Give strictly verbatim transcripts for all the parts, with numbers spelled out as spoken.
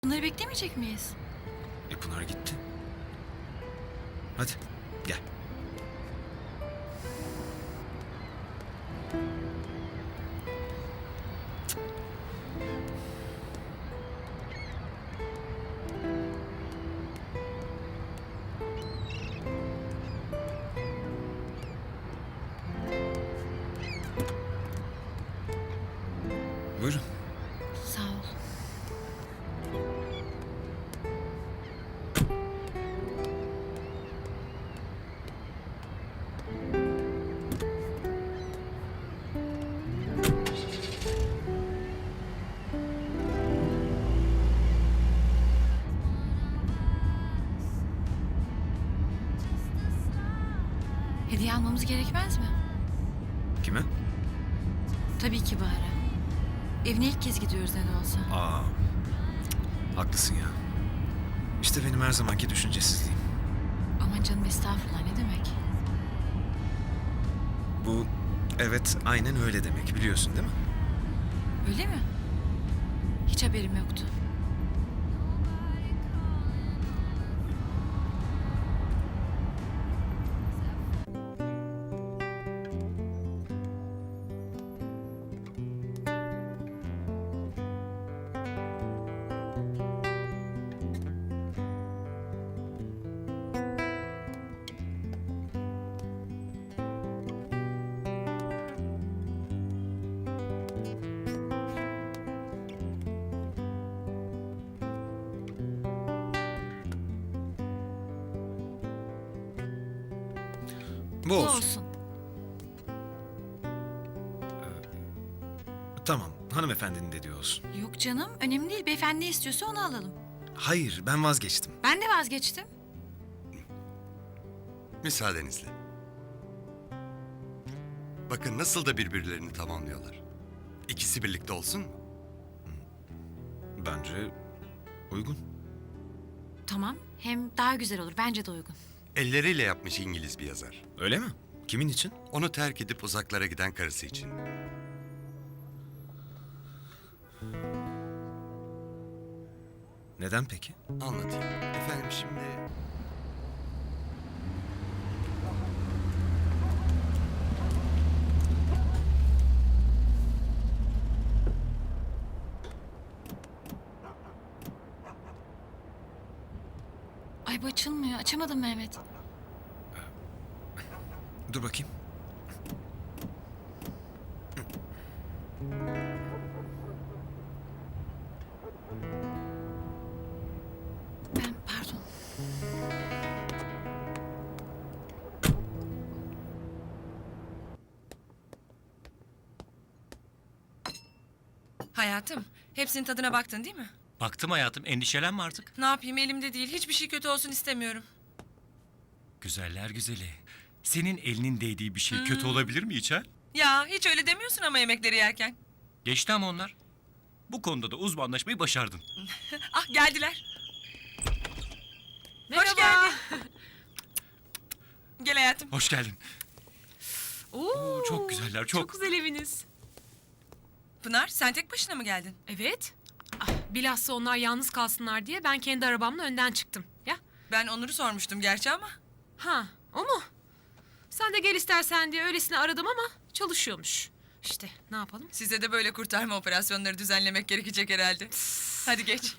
Bunları beklemeyecek miyiz? E Pınar gitti. Hadi gel. Buyurun. Sağ ol. Hediye almamız gerekmez mi? Kime? Tabii ki Bahar'a. Evine ilk kez gidiyoruz ne de olsa. Aa, haklısın ya. İşte benim her zamanki düşüncesizliğim. Aman canım estağfurullah, ne demek? Bu evet aynen öyle demek, biliyorsun değil mi? Öyle mi? Hiç haberim yoktu. Bu Bu olsun. olsun. Tamam, hanımefendinin dediği olsun. Yok canım, önemli değil. Beyefendi ne istiyorsa onu alalım. Hayır, ben vazgeçtim. Ben de vazgeçtim. Müsaadenizle. Bakın nasıl da birbirlerini tamamlıyorlar. İkisi birlikte olsun mu? Bence uygun. Tamam, hem daha güzel olur. Bence de uygun. Elleriyle yapmış İngiliz bir yazar. Öyle mi? Kimin için? Onu terk edip uzaklara giden karısı için. Neden peki? Anlatayım. Efendim şimdi... Ay bu açılmıyor. Açamadım Mehmet. Dur bakayım. Ben pardon. Hayatım, hepsinin tadına baktın değil mi? Baktım hayatım, endişelenme artık. Ne yapayım, elimde değil. Hiçbir şey kötü olsun istemiyorum. Güzeller güzeli. Senin elinin değdiği bir şey kötü olabilir mi hiç ha? Ya hiç öyle demiyorsun ama yemekleri yerken. Geçti ama onlar. Bu konuda da uzmanlaşmayı başardın. Ah geldiler. Merhaba. Hoş geldin. Gel hayatım. Hoş geldin. Oo, çok güzeller, çok. Çok güzel eviniz. Pınar, sen tek başına mı geldin? Evet. Ah, bilhassa onlar yalnız kalsınlar diye ben kendi arabamla önden çıktım. Ya. Ben Onur'u sormuştum gerçi ama. Ha, o mu? Sen de gel istersen diye öylesine aradım ama çalışıyormuş. İşte ne yapalım? Size de böyle kurtarma operasyonları düzenlemek gerekecek herhalde. Hadi geç.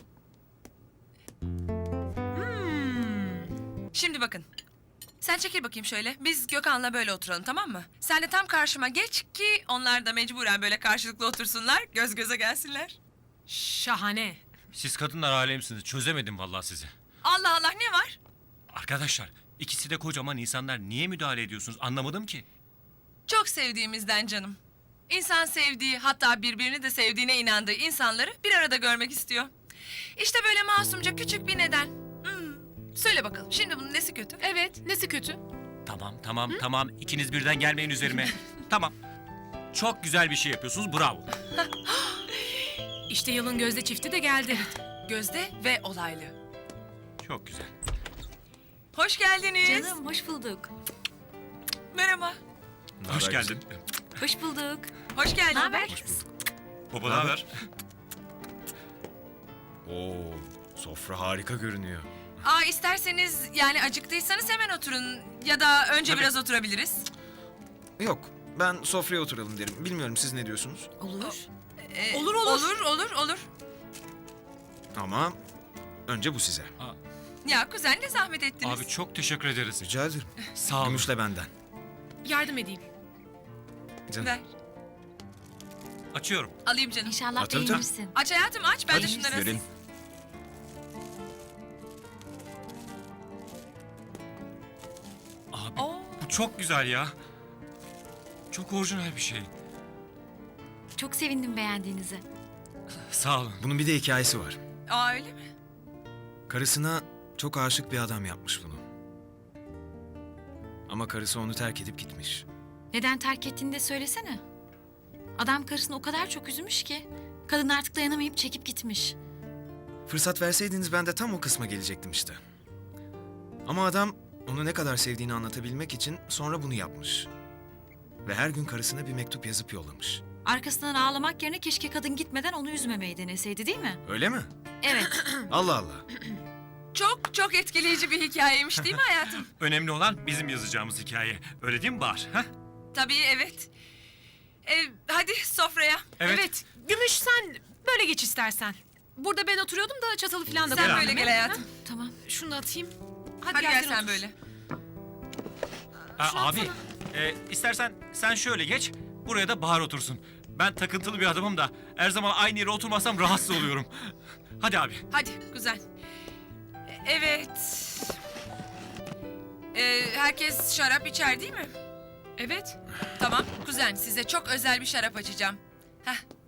Hmm. Şimdi bakın. Sen çekil bakayım şöyle. Biz Gökhan'la böyle oturalım, tamam mı? Sen de tam karşıma geç ki onlar da mecburen böyle karşılıklı otursunlar. Göz göze gelsinler. Şahane. Siz kadınlar alemsiniz. Çözemedim vallahi sizi. Allah Allah, ne var? Arkadaşlar, ikisi de kocaman insanlar. Niye müdahale ediyorsunuz? Anlamadım ki. Çok sevdiğimizden canım. İnsan sevdiği, hatta birbirini de sevdiğine inandığı insanları bir arada görmek istiyor. İşte böyle masumca küçük bir neden. Hmm. Söyle bakalım, şimdi bunun nesi kötü? Evet, nesi kötü? Tamam, tamam, tamam. İkiniz birden gelmeyin üzerime. Tamam. Çok güzel bir şey yapıyorsunuz. Bravo. İşte yılın gözde çifti de geldi. Gözde ve olaylı. Çok güzel. Hoş geldiniz. Canım hoş bulduk. Merhaba. Hoş geldin. Hoş bulduk. Hoş geldin. Ne haber? Baba ne haber? Oo, Sofra harika görünüyor. Aa isterseniz yani acıktıysanız hemen oturun. Ya da önce Tabii. biraz oturabiliriz. Yok, ben sofraya oturalım derim. Bilmiyorum siz ne diyorsunuz? Olur. Ee, Olur, olur. Olur olur olur. Ama önce bu size. Ya kuzen ne zahmet ettiniz. Abi çok teşekkür ederiz. Rica ederim. Sağ olun. Gümüşle benden. Yardım edeyim. Canım. Ver. Açıyorum. Alayım canım. İnşallah Atın, atın. beğenirsin. Aç hayatım aç. Ben de Hadi, şunları verin. asayım. Abi Oo. bu çok güzel ya. Çok orijinal bir şey. Çok sevindim beğendiğinize. Sağ olun. Bunun bir de hikayesi var. Aa öyle mi? Karısına çok aşık bir adam yapmış bunu. Ama karısı onu terk edip gitmiş. Neden terk ettiğini de söylesene. Adam karısını o kadar çok üzmüş ki kadın artık dayanamayıp çekip gitmiş. Fırsat verseydiniz ben de tam o kısma gelecektim işte. Ama adam onu ne kadar sevdiğini anlatabilmek için sonra bunu yapmış. Ve her gün karısına bir mektup yazıp yollamış. Arkasından ağlamak yerine keşke kadın gitmeden onu üzmemeyi deneseydi değil mi? Öyle mi? Evet. Allah Allah. Çok çok etkileyici bir hikayeymiş değil mi hayatım? Önemli olan bizim yazacağımız hikaye. Öyle değil mi Bahar? Ha? Tabii evet. Ee, hadi sofraya. Evet. Gümüş sen böyle geç istersen. Burada ben oturuyordum da çatalı falan da Sen koyardım, böyle he? gel hayatım. Tamam. Şunu da atayım. Hadi, Hadi gel sen otur. böyle. Ha, Şunu abi atsana. e, istersen sen şöyle geç. Buraya da Bahar otursun. Ben takıntılı bir adamım da her zaman aynı yere oturmazsam rahatsız oluyorum. Hadi abi. Hadi güzel. Ee, Evet. Ee, herkes şarap içer değil mi? Evet. Tamam kuzen size çok özel bir şarap açacağım. Heh,